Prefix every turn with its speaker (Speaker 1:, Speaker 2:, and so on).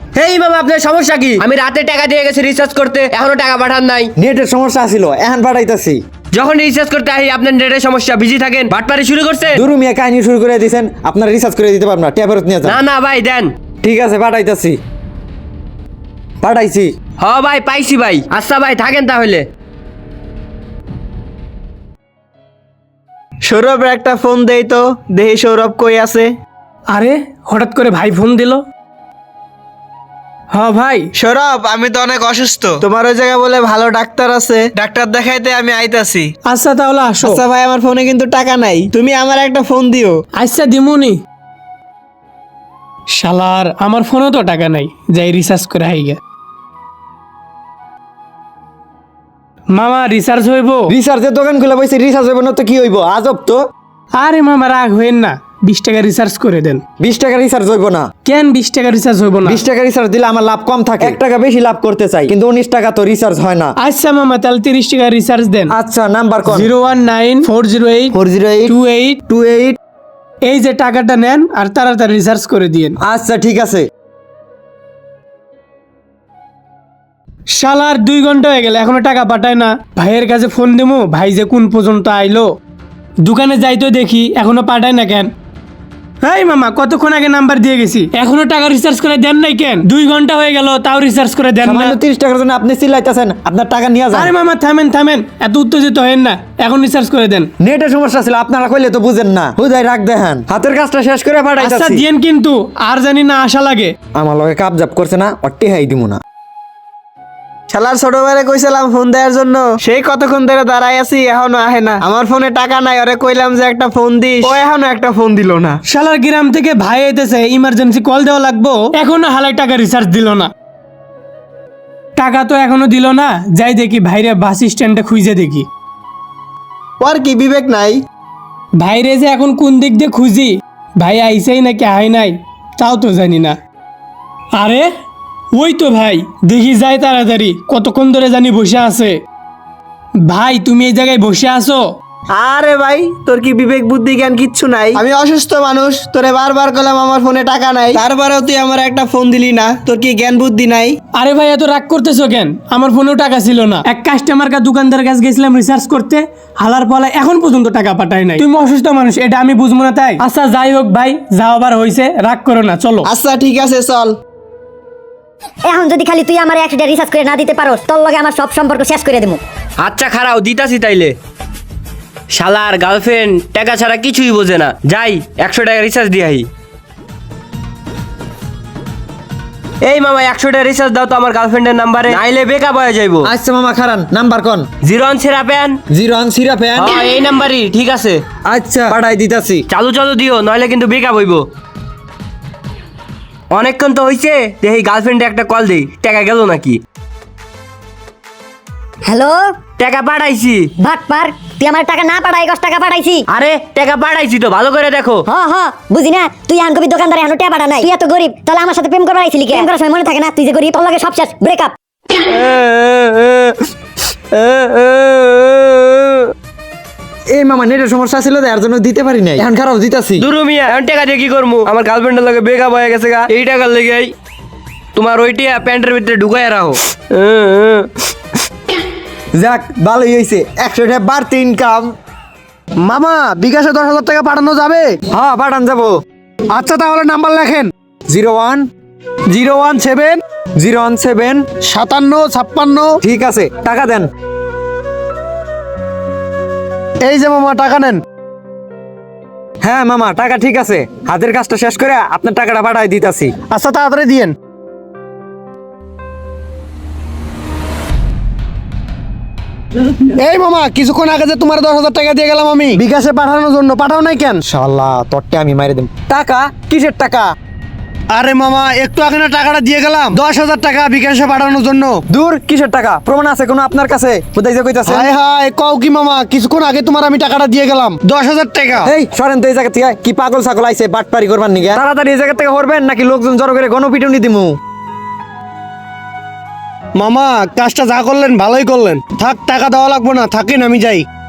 Speaker 1: হেই মামা, আপনার সমস্যা কি? আমি রাতে টাকা দিয়ে গেছি রিচার্জ করতে, এখনো টাকা পাঠান নাই।
Speaker 2: নেটের সমস্যা ছিল, এখন পাঠাইতাছি।
Speaker 1: যখন রিচার্জ করতে আহি আপনার নেটের সমস্যা, বিজি থাকেন, বাটপারি শুরু করছে।
Speaker 2: দুরু মিয়া কাহিনী শুরু করে দিয়েছেন, আপনার রিচার্জ করে দিতে পারবেন না, ট্যাব ফেরত নিয়ে যান।
Speaker 1: না না ভাই দেন।
Speaker 2: ঠিক আছে পাঠাইতাছি। পাঠাইছি।
Speaker 1: হ ভাই পাইছি ভাই। আচ্ছা ভাই থাকেন তাহলে।
Speaker 3: সৌরভ একটা ফোন দেই তো, দেখি সৌরভ কই আছে।
Speaker 4: আরে হঠাৎ করে ভাই ফোন দিল। হ্যাঁ ভাই।
Speaker 3: সৌরভ, আমি তো অনেক অসুস্থ, তোমার ওই জায়গায় বলে ভালো ডাক্তার আছে, ডাক্তার দেখাইতে আমি আইতাছি।
Speaker 4: আচ্ছা তাহলে আসো।
Speaker 3: আচ্ছা ভাই, আমার ফোনে কিন্তু টাকা নাই, তুমি আমার একটা ফোন দিও।
Speaker 4: আচ্ছা দিমুনি। শালার আমার ফোনেও তো টাকা নাই, যাই রিচার্জ করে হাইগা। মামা রিচার্জ হইব?
Speaker 2: রিচার্জের দোকান খুলে বসে রিচার্জ হইব না তো কি হইব? আজব তো।
Speaker 4: আরে মামা রাগ হইন না, 20 টাকা রিচার্জ করে দেন।
Speaker 2: 20 টাকা রিচার্জ হইব না।
Speaker 4: কেন 20 টাকা রিচার্জ হইব না?
Speaker 2: 20 টাকা রিচার্জ দিলে আমার লাভ কম থাকে, 1 টাকা বেশি লাভ করতে চাই, কিন্তু 19 টাকা তো রিচার্জ হয় না।
Speaker 4: আচ্ছা মামা তাহলে 30 টাকা রিচার্জ দেন।
Speaker 2: আচ্ছা নাম্বার কোন?
Speaker 4: 019-408-28
Speaker 2: 40828।
Speaker 4: এই যে টাকাটা নেন আর তাড়াতাড়ি রিচার্জ করে দিয়েন।
Speaker 2: আচ্ছা ঠিক আছে।
Speaker 4: শালার 2 ঘন্টা হয়ে গেল এখনো টাকা পাঠায় না। ভাইয়ের কাছে ফোন দেবো, ভাই যে কোন পর্যন্ত আইলো। দোকানে যাইতো দেখি এখনো পাঠায় না কেন। এই মামা কতক্ষণ আগে নাম্বার দিয়ে গেছি, এখনো টাকা রিচার্জ করে দেন নাই কেন? 2 ঘন্টা হয়ে গেল তাও রিচার্জ করে দেন না।
Speaker 2: সামান্য 30 টাকার জন্য আপনি চিল্লাইতেছেন, আপনার টাকা নিয়ে যান।
Speaker 4: আরে মামা থামেন থামেন, এত উত্তেজিত হেন না, এখন রিচার্জ করে দেন।
Speaker 2: নেটের সমস্যা ছিল, আপনারা কইলে তো বুঝেন না। হুদাই রাখ দেখেন, হাতের কাজটা শেষ করে
Speaker 4: আচ্ছা
Speaker 2: পাঠাইতাছি।
Speaker 4: দিয়েন কিন্তু আর জানি না আশা লাগে।
Speaker 2: আমার লগে কাপ জাপ করছে না, অট্টি হাই দিমু না।
Speaker 3: শালার ছোট ভাইরে কইছিলাম ফোন দেওয়ার জন্য, সেই কতক্ষণ ধরে দাঁড়াই আছি, এখনো আহে না। আমার ফোনে টাকা নাই, ওরে কইলাম যে একটা ফোন দিস, ও এখনো একটা ফোন দিল না।
Speaker 4: শালার গ্রাম থেকে ভাই আইতেছে, ইমার্জেন্সি কল দেওয়া লাগবো, এখনো হালাই টাকা রিচার্জ দিল না। টাকা তো এখনো দিল না, যাই দেখি ভাইরে বাস স্ট্যান্ডে খুঁজে দেখি।
Speaker 3: ওর কি বিবেক নাই?
Speaker 4: ভাইরে যে এখন কোন দিক দিয়ে খুঁজি, ভাই আইসেই নাকি আই নাই তাও তো জানি না। আরে ওই তো ভাই, দেখি যাই তাড়াতাড়ি, কতক্ষণ ধরে জানি বসে আছে। ভাই তুমি এই জায়গায় বসে আছো?
Speaker 3: আরে ভাই, তোর কি বিবেক বুদ্ধি জ্ঞান কিচ্ছু নাই? আমি অসুস্থ মানুষ, তোরে বারবার কইলাম আমার ফোনে টাকা নাই, তারপরেও তুই আমার একটা ফোন দিলি না। তোর কি জ্ঞান বুদ্ধি নাই?
Speaker 4: আরে ভাই এত রাগ করতেছো কেন? আমার ফোনেও টাকা ছিল না, এক কাস্টমার দোকানদার কাছে গেছিলাম রিচার্জ করতে, হালার পালা এখন পর্যন্ত টাকা পাঠায় নাই। তুমি অসুস্থ মানুষ, এটা আমি বুঝবো না তাই? আচ্ছা যাই হোক ভাই, যাও আবার হইছে, রাগ করো না, চলো।
Speaker 3: আচ্ছা ঠিক আছে চল।
Speaker 5: এখন যদি খালি তুই আমার 100 টাকা রিচার্জ করে না দিতে পারোস, তোর লগে আমার সব সম্পর্ক শেষ করে দেবো।
Speaker 1: আচ্ছা খারাও দিতাছি তাইলে। শালার গার্লফ্রেন্ড টাকা ছাড়া কিছুই বোঝে না। যাই 100 টাকা রিচার্জ দিয়ে আহি। এই মামা 100 টাকা রিচার্জ দাও তো আমার গার্লফ্রেন্ডের নাম্বারে, নাইলে বেকআপ হয়ে যাইবো।
Speaker 2: আচ্ছা মামা খারান, নাম্বার কোন?
Speaker 1: 01 সেরাপেন
Speaker 2: 01 সিরাপেন।
Speaker 1: হ্যাঁ এই নাম্বারই ঠিক আছে।
Speaker 2: আচ্ছা পাঠাই দিতাছি।
Speaker 1: চালু চালু দিও, নইলে কিন্তু বেকআপ হইব। অনেকক্ষণ তো হইছে, দেখি গার্লফ্রেন্ডে একটা কল দেই, টাকা গেল নাকি।
Speaker 5: হ্যালো
Speaker 1: টাকা পাঠাইছি।
Speaker 5: ভাটপার, তুই আমার টাকা না পাঠাই 10 টাকা পাঠাইছি।
Speaker 1: আরে টাকা পাঠাইছি তো, ভালো করে দেখো।
Speaker 5: হ হ বুঝি না, তুই এখন কবি দোকানদার এখন টাকা পাঠা নাই, তুই এত গরিব, তাহলে আমার সাথে প্রেম করবার আইছিলি কেন? প্রেম করার সময় মনে থাকে না তুই যে গরিব, তোর লগে সব শেষ, ব্রেকআপ।
Speaker 2: এই মামা নেটের সমস্যা ছিল, এর জন্য দিতে পারি নাই, এখন খারাপ দিতাছি।
Speaker 1: দুরু মিয়া এখন টাকা দিয়ে কি করবো? আমার গার্লফ্রেন্ডের লগে ব্রেকআপ হয়ে গেছে গা, এই টাকার লেগে তোমার ওইটিয়া প্যান্টের ভিতরে ঢুকাই রাখো।
Speaker 2: যাক ভালোই হয়েছে, 100 টাকা বাড়তি ইনকাম।
Speaker 3: মামা বিকাশে 10,000 টাকা পাঠানো যাবে?
Speaker 2: হ্যাঁ পাঠান যাবো।
Speaker 3: আচ্ছা তাহলে নাম্বার লেখেন।
Speaker 2: 01
Speaker 3: 017
Speaker 2: 017।
Speaker 3: 57 56।
Speaker 2: ঠিক আছে টাকা দেন।
Speaker 3: এই যে মামা টাকা নেন।
Speaker 2: হ্যাঁ মামা টাকা ঠিক আছে, হাতের কাজটা শেষ করে আপনার টাকাটা পাঠাই দিতাছি।
Speaker 3: আচ্ছা তাড়াতাড়ি দিয়েন। এই মামা কিছুক্ষণ আগে যে তোমার 10,000 টাকা দিয়ে গেলাম আমি বিকাশে পাঠানোর জন্য, পাঠাও নাই কেন?
Speaker 2: শালা তোরটা আমি মাইরে দেব। টাকা কিসের টাকা?
Speaker 3: আরে মামা একটু আগে না টাকাটা দিয়ে গেলাম, 10,000 টাকা বিকাশে পাঠানোর জন্য।
Speaker 2: দূর কিসের টাকা? প্রমাণ আছে কোনো আপনার কাছে? কোথায় যে কইতাছে?
Speaker 3: হায় হায়, কও কি মামা, কিছুক্ষণ আগে তোমার আমি টাকাটা দিয়ে গেলাম 10,000 টাকা।
Speaker 2: এই সরেন তো এই জায়গা থেকে, কি পাগল ছাগল আইছে বাটপারি করবার নিগে? তাড়াতাড়ি এই জায়গা থেকে হরবেন নাকি লোকজন জড়ো করে গণপিটুনি দিমু।
Speaker 3: মামা কাজটা যা করলেন ভালোই করলেন, থাক টাকা দেওয়া লাগবো না, থাকেন আমি যাই।